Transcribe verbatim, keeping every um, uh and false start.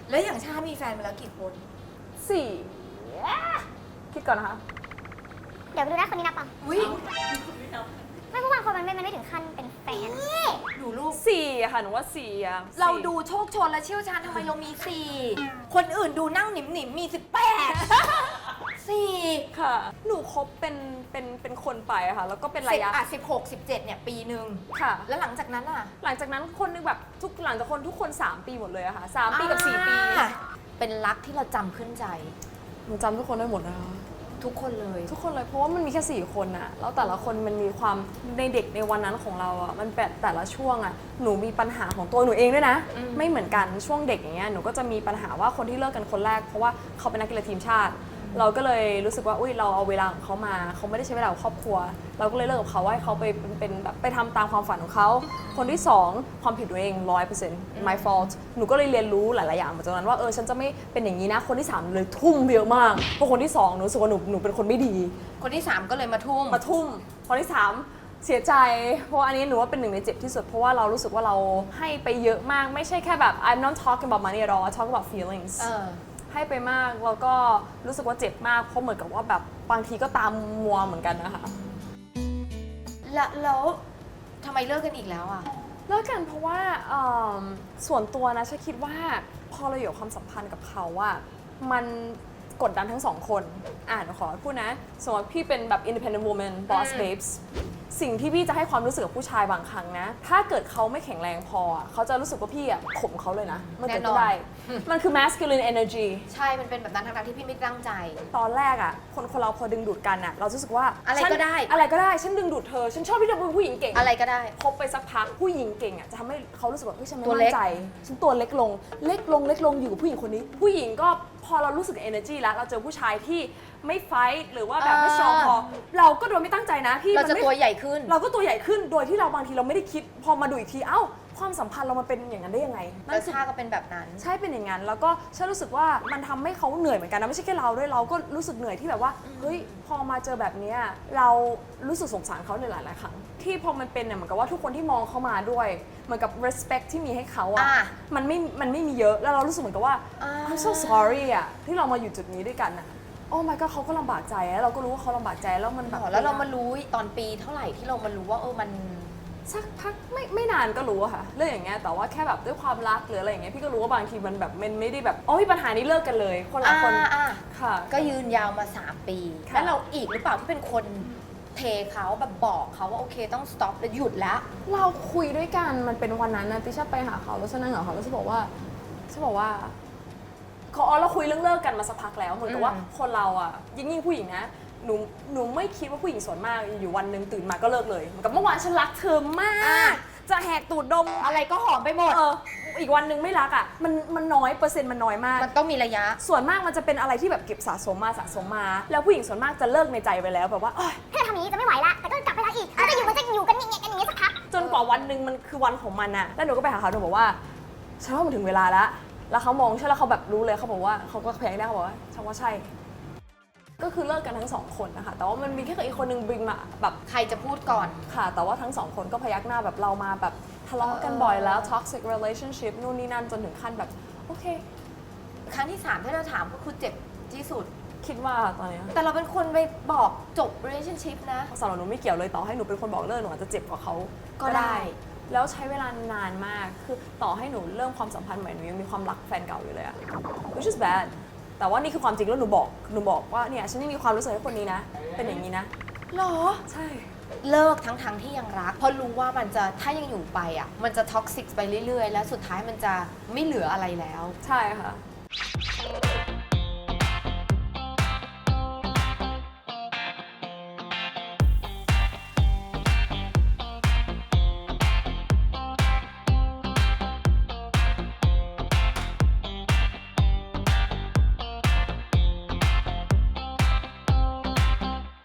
แล้วอย่างชามีแฟนมาแล้วกี่คนสี่คิดก่อนนะคะเดี๋ยวดูนะคนนี้นับป่ะอุ้ยไม่เพราะบางคนมันไม่มันไม่ถึงขั้นเป็นแฟนดูลูกสี่อะค่ะหนูว่าสี่อะเราสี่ดูโชคชนและเชี่ยวชาญทำไมเรามีสี่คนอื่นดูนั่งหนิมหนิมๆมีสิบแปดสี่ค่ะ หนูคบเป็นเป็นเป็นคนไปอะค่ะ แล้วก็เป็นระสิบยะอ่ะสิบหกสิบเจ็ดเนี่ยปีหนึ่งค่ะแล้วหลังจากนั้นอ่ะหลังจากนั้นคนนึงแบบทุกหลังจากคนทุกคนสามปีหมดเลยอะค่ะสามปีกับสี่ปีอ่าเป็นรักที่เราจำขึ้นใจหนูจำทุกคนได้หมดนะคะทุกคนเลยทุกคนเลยเพราะว่ามันมีแค่สี่คนอะแล้วแต่ละคนมันมีความในเด็กในวันนั้นของเราอะมันแบบแต่ละช่วงอะหนูมีปัญหาของตัวหนูเองด้วยนะอืมไม่เหมือนกันช่วงเด็กอย่างเงี้ยหนูก็จะมีปัญหาว่าคนที่เลิกกันคนแรกเพราะว่าเขาเป็นนักกีฬาทีมชาติ เราก็เลยรู้สึกว่าอุ้ยเราเอาเวลาของเขามาเขาไม่ได้ใช้เวลากับครอบครัว เราก็เลยเลิกกับเขาว่าให้เขาไปเป็นเป็นแบบไปทำตามความฝันของเขาคนที่สองความผิดตัวเองร้อยเปอร์เซ็นต์ my fault หนูก็เลยเรียนรู้หลายๆอย่างมาจากนั้นว่าเออฉันจะไม่เป็นอย่างนี้นะคนที่สามเลยทุ่มเยอะมากเพราะคนที่สองหนูรู้สึกว่าหนูหนูเป็นคนไม่ดีคนที่สามก็เลยมาทุ่มมาทุ่มคนที่สามเสียใจ เพราะว่าอันนี้หนูว่าเป็นหนึ่งในเจ็บที่สุด เพราะว่าเรารู้สึกว่าเราให้ไปเยอะมาก ไม่ใช่แค่แบบ I'm not talking about money at all I talk about feelings เออให้ไปมากแล้วก็รู้สึกว่าเจ็บมากเพราะเหมือนกับว่าแบบบางทีก็ตามมัวเหมือนกันนะคะแล้วแล้วทำไมเลิกกันอีกแล้วอ่ะเลิกกันเพราะว่าเอิ่มส่วนตัวนะฉันคิดว่าพอเราอยู่ความสัมพันธ์กับเขาอะมันกดดันทั้งสองคนอ่านขอพูดนะสมมติพี่เป็นแบบ independent woman boss อืม babes สิ่งที่พี่จะให้ความรู้สึกกับผู้ชายบางครั้งนะ ถ้าเกิดเขาไม่แข็งแรงพออะเขาจะรู้สึกว่าพี่อะข่มเขาเลยนะมันเกิดแน่นอนขึ้นได้ มันคือ masculine energy ใช่ มันเป็นแบบนั้นทั้งๆที่พี่ไม่ตั้งใจตอนแรกอะคนคนเราพอดึงดูดกันอะเราจะรู้สึกว่าอะไรฉันก็ได้อะไรก็ได้ฉันดึงดูดเธอฉันชอบที่เธอเป็นผู้หญิงเก่งอะไรก็ได้คบไปสักพักผู้หญิงเก่งอ่ะจะทำให้เขารู้สึกว่าเฮ้ยฉันไม่ตัวมั่เล็นกใจฉันตัวเล็กลงเล็กลงเล็กลงอยู่กับผู้หญิงคนนี้ ผู้หญิงก็พอเรารู้สึก energy แล้วเราเจอผู้ชายที่ไม่ไฟท์หรือว่าแบบไม่ strong พอเราก็โดยไม่ตั้งใจนะพี่เราจะมันไม่ตัวใหญ่ขึ้นเราก็ตัวใหญ่ขึ้นโดยที่เราบางทีเราไม่ได้คิดพอมาดูอีกทีเอ้าความสัมพันธ์เรามันเป็นอย่างนั้นได้ยังไงนั่แล้วนคือชาก็เป็นแบบนั้นใช่เป็นอย่างนั้นแล้วก็ฉันรู้สึกว่ามันทำให้เขาเหนื่อยเหมือนกันนะไม่ใช่แค่เราด้วยเราก็รู้สึกเหนื่อยที่แบบว่าเฮ้ยพอมาเจอแบบเนี้ยเรารู้สึกสงสารเขาในหลายๆครั้งที่พอมันเป็นเนี่ยเหมือนกับว่าทุกคนที่มองเขามาด้วยเหมือนกับ respect ที่มีให้เขาอะอ่ะมันไม่มันไม่มีเยอะแล้วเรารู้สึกเหมือนกับว่าอ่า I'm so sorry อะที่เรามาอยู่จุดนี้ด้วยกันอะโอ้ my god เขาก็ลำบากใจแล้วเราก็รู้ว่าเขาลำบากใจแล้วมันแบบแล้วเรามารู้ตอนปีเท่าไหร่ที่เรามารู้ว่าเออมันสักพักไม่ไม่นานก็รู้อะค่ะเรื่องอย่างเงี้ยแต่ว่าแค่แบบด้วยความรักหรืออะไรอย่างเงี้ยพี่ก็รู้ว่าบางทีมันแบบมันไม่ได้แบบโอ้ยปัญหานี้เลิกกันเลยคนละคนอ่าอ่าค่ะก็ยืนยาวมา สาม ปีค่ะแล้วเราอีกหรือเปล่าที่เป็นคนเทเขาแบบบอกเขาว่าโอเคต้อง stop แล้วหยุดแล้วเราคุยด้วยกันมันเป็นวันนั้นนะติชาไปหาเขาแล้วฉันนั่งกับเขาแล้วฉันบอกว่าฉันบอกว่าเขาอ๋อเราคุยเรื่องเลิกกันมาสักพักแล้วเหมือนกับว่าอืมคนเราอ่ะยิ่งยิ่งผู้หญิงนะหนูหนูไม่คิดว่าผู้หญิงส่วนมากอยู่วันหนึ่งตื่นมาก็เลิกเลยเหมือนกับเมื่อวานฉันรักเธอมาก จะแหกตูดดมอะไรก็หอมไปหมดเอออีกวันหนึ่งไม่รักอ่ะมันมันน้อยเปอร์เซ็นต์มันน้อยมากมันต้องมีระยะส่วนมากมันจะเป็นอะไรที่แบบเก็บสะสมมาสะสมมา แล้วผู้หญิงส่วนมากจะเลิกในใจไปแล้วแบบว่าเอ้ยถ้าทำอย่างนี้จะไม่ไหวละแต่ก็กลับไปรักอีกแล้วจะอยู่มันจะอยู่กันอย่างเงี้ยกันอย่างเงี้ยสักพักจนกว่าวันหนึ่งมันคือวันของมันอะแล้วหนูก็ไปหาเขาหนูบอกว่าฉันว่ามันถึงเวลาแล้วแล้วเขามองใช่แล้วเขาแบบรู้เลยเขาบอกว่าเขาก็พยักหน้าเขาบอกว่าฉันว่าใช่ ก็คือเลิกกันทั้งสองคนนะคะแต่ว่ามันมีแค่อีกคนนึงบริงมาแบบใครจะพูดก่อนค่ะ แต่ว่าทั้งสองคนก็พยักหน้าแบบเรามาแบบทะเลาะกันบ่อยแล้ว toxic relationship นู่นนี่นั่นจนถึงขั้นแบบโอเคครั้งที่สามที่เราถามก็คือเจ็บที่สุดคิดว่าตอนเนี้ยแต่เราเป็นคนไปบอกจบ relationship นะสำหรับหนูไม่เกี่ยวเลยต่อให้หนูเป็นคนบอกเลิกหนูอาจจะเจ็บกว่าเขาก็ได้แล้วใช้เวลานานมาก คือต่อให้หนูเริ่มความสัมพันธ์ใหม่หนูยังมีความรักแฟนเก่าอยู่เลยอะ which is bad แต่ว่านี่คือความจริงแล้วหนูบอก หนูบอกว่าเนี่ยฉันยังมีความรู้สึกให้คนนี้นะ เป็นอย่างนี้นะหรอใช่เลิกทั้งๆที่ยังรัก เพราะรู้ว่ามันจะถ้ายังอยู่ไปอ่ะ มันจะท็อกซิกไปเรื่อยๆ แล้วสุดท้ายมันจะไม่เหลืออะไรแล้วใช่ค่ะ